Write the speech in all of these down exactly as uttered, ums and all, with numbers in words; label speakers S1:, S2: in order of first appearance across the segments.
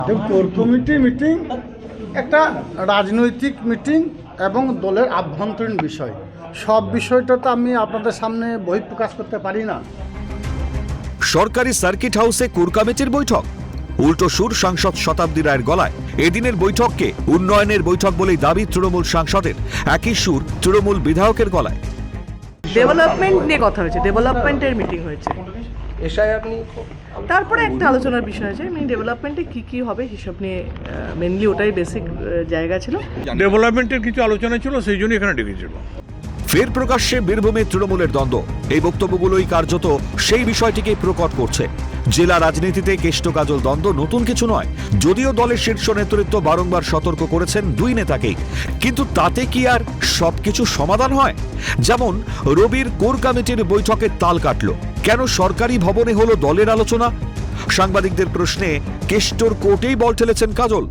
S1: Core committee meeting একটা রাজনৈতিক meeting এবং দলের আভ্যন্তরীণ বিষয়, সব বিষয়টা তো আমি আপনাদের সামনে বহিঃপ্রকাশ করতে পারি না।
S2: সরকারি সার্কিট হাউসে কোর কমিটির বৈঠক, উল্টো সুর সাংসদ শতাব্দী রায়ের গলায়। এদিনের বৈঠককে উন্নয়নের বৈঠক বলেই দাবি তৃণমূল সাংসদের, একই সুর তৃণমূল বিধায়কের গলায়।
S3: ডেভেলপমেন্ট নিয়ে কথা হয়েছে, ডেভেলপমেন্টের মিটিং হয়েছে,
S4: এসআই আপনি
S3: তারপরে একটা আলোচনার বিষয় আছে মানে ডেভেলপমেন্টে কি কি হবে হিসাব নিয়ে, মেনলি ওটাই বেসিক জায়গা ছিল।
S5: ডেভেলপমেন্টের কিছু আলোচনা ছিল, সেই জন্য এখানে ডেকেছিল।
S2: ফের প্রকাশ্যে বীরভূমে তৃণমূলের দ্বন্দ্ব। এই বক্তব্যগুলোই কার্যত সেই বিষয়টিকে প্রকট করছে। জেলা রাজনীতিতে কেষ্ট কাজল দ্বন্দ্ব নতুন কিছু নয়, যদিও দলের শীর্ষ নেতৃত্ব বারংবার সতর্ক করেছেন দুই নেতাকেই, কিন্তু তাতে কি আর সবকিছু সমাধান হয়? যেমন রবির কোর কমিটির বৈঠকে তাল কাটল, কেন সরকারি ভবনে হলো দলের আলোচনা? সাংবাদিকদের প্রশ্নে কেষ্টর কোর্টেই বল ঠেলেছেন কাজল।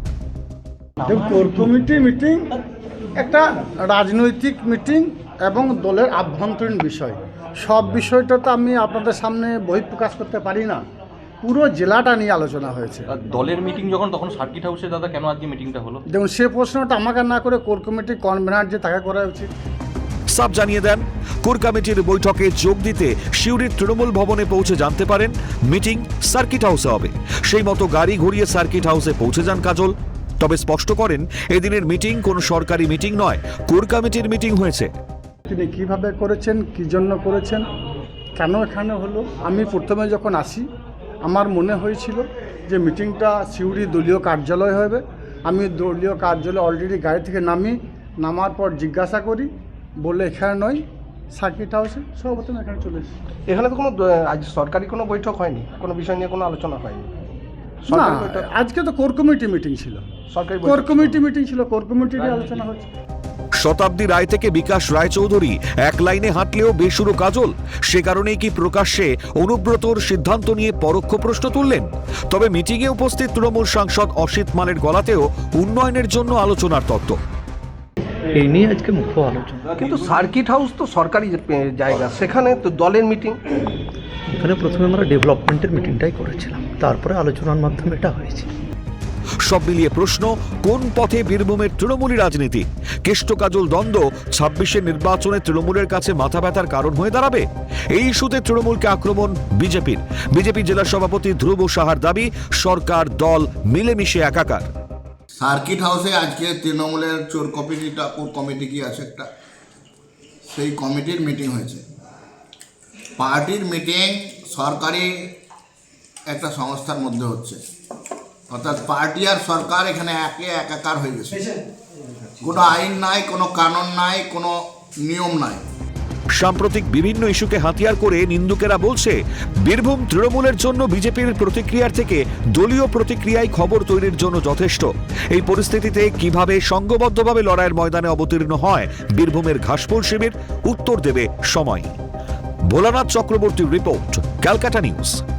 S1: কোর কমিটি মিটিং একটা রাজনৈতিক মিটিং এবং দলের আভ্যন্তরীণ বিষয়, সব বিষয়টা তো আমি আপনাদের সামনে বহিঃপ্রকাশ করতে পারি না। পুরো জেলাটা নিয়ে আলোচনা হয়েছে।
S4: দলের মিটিং যখন তখন সার্কিট হাউসে দাদা কেন আজকে মিটিংটা হলো?
S1: দেখুন, সে প্রশ্নটা আমাকে না করে কোর কমিটির কনভেনার যে তাকে করা উচিত।
S2: সাব জানিয়ে দেন, কোর কমিটির বৈঠকে যোগ দিতে সিউড়ির তৃণমূল ভবনে পৌঁছে জানতে পারেন মিটিং সার্কিট হাউসে হবে। সেই মতো গাড়ি ঘুরিয়ে সার্কিট হাউসে পৌঁছে যান কাজল। তবে স্পষ্ট করেন, এদিনের মিটিং কোনো সরকারি মিটিং নয়, কোর কমিটির মিটিং হয়েছে।
S1: তিনি কিভাবে করেছেন, কি জন্য করেছেন, কেন এখানে হলো, আমি প্রথমে যখন আসি আমার মনে হয়েছিল যে মিটিংটা সিউড়ি দলীয় কার্যালয় হবে। আমি দলীয় কার্যালয় অলরেডি গাড়ি থেকে নামি, নামার পর জিজ্ঞাসা করি, বলে এখানে নয় সার্কিট হাউসে। সর্বপ্রথম এখানে চলে এসেছি।
S4: এখানে তো কোনো আজ সরকারি কোনো বৈঠক হয়নি, কোনো বিষয় নিয়ে কোনো আলোচনা হয়নি।
S1: না, আজকে তো কোর কমিটি মিটিং ছিল,
S4: সরকারি
S1: কোর কমিটি মিটিং ছিল, কোর কমিটি নিয়ে আলোচনা হচ্ছে।
S2: শতাব্দী রায় থেকে বিকাশ রায়চৌধুরী এক লাইনে হাঁটলেও বেসুরো কাজল, সে কারণেই কি প্রকাশ্যে অনুব্রতর সিদ্ধান্ত নিয়ে পরোক্ষ প্রশ্ন তুললেন? তবে মিটিংয়ে উপস্থিত তৃণমূল সাংসদ অসিত মালের গলাতেও উন্নয়নের জন্য আলোচনার তত্ত্ব।
S6: এই নিয়ে আজকে মুখ্য আলোচনা।
S4: কিন্তু সার্কিট হাউস তো সরকারি জায়গা, সেখানে তো দলের মিটিং।
S6: এখানে প্রথমে আমরা ডেভেলপমেন্টের মিটিংটাই করেছিলাম, তারপরে আলোচনার মাধ্যমে এটা হয়েছে।
S2: সব মিলিয়ে প্রশ্ন, কোন পথে বীরভূমের তৃণমূলী রাজনীতি? কেষ্ট কাজল দ্বন্দ্ব ছাব্বিশের নির্বাচনে তৃণমূলের কাছে মাথা ব্যথার কারণ হয়ে দাঁড়াবে? এই ইস্যুতে তৃণমূলকে আক্রমণ বিজেপির। বিজেপি জেলা সভাপতি ধ্রুব সাহার দাবি, সরকার দল মিলেমিশে একাকার।
S7: সার্কিট হাউসে আজকে তৃণমূলের চোর কমিটিটা কোর কমিটি কি আছে একটা, সেই কমিটির মিটিং হয়েছে। পার্টির মিটিং সরকারি একটা সংস্থার মধ্যে হচ্ছে, অর্থাৎ পার্টি আর সরকার এখানে একে একাকার হয়ে গেছে। কোনো আইন নাই, কোনো কানুন নাই, কোনো নিয়ম নাই।
S2: সাম্প্রতিক বিভিন্ন ইস্যুকে হাতিয়ার করে নিন্দুকেরা বলছে, বীরভূম তৃণমূলের জন্য বিজেপির প্রতিক্রিয়ার থেকে দলীয় প্রতিক্রিয়ায় খবর তৈরির জন্য যথেষ্ট। এই পরিস্থিতিতে কিভাবে সংঘবদ্ধভাবে লড়াইয়ের ময়দানে অবতীর্ণ হয় বীরভূমের ঘাসফুল শিবির, উত্তর দেবে সময়। ভোলানাথ চক্রবর্তীর রিপোর্ট, ক্যালকাটা নিউজ।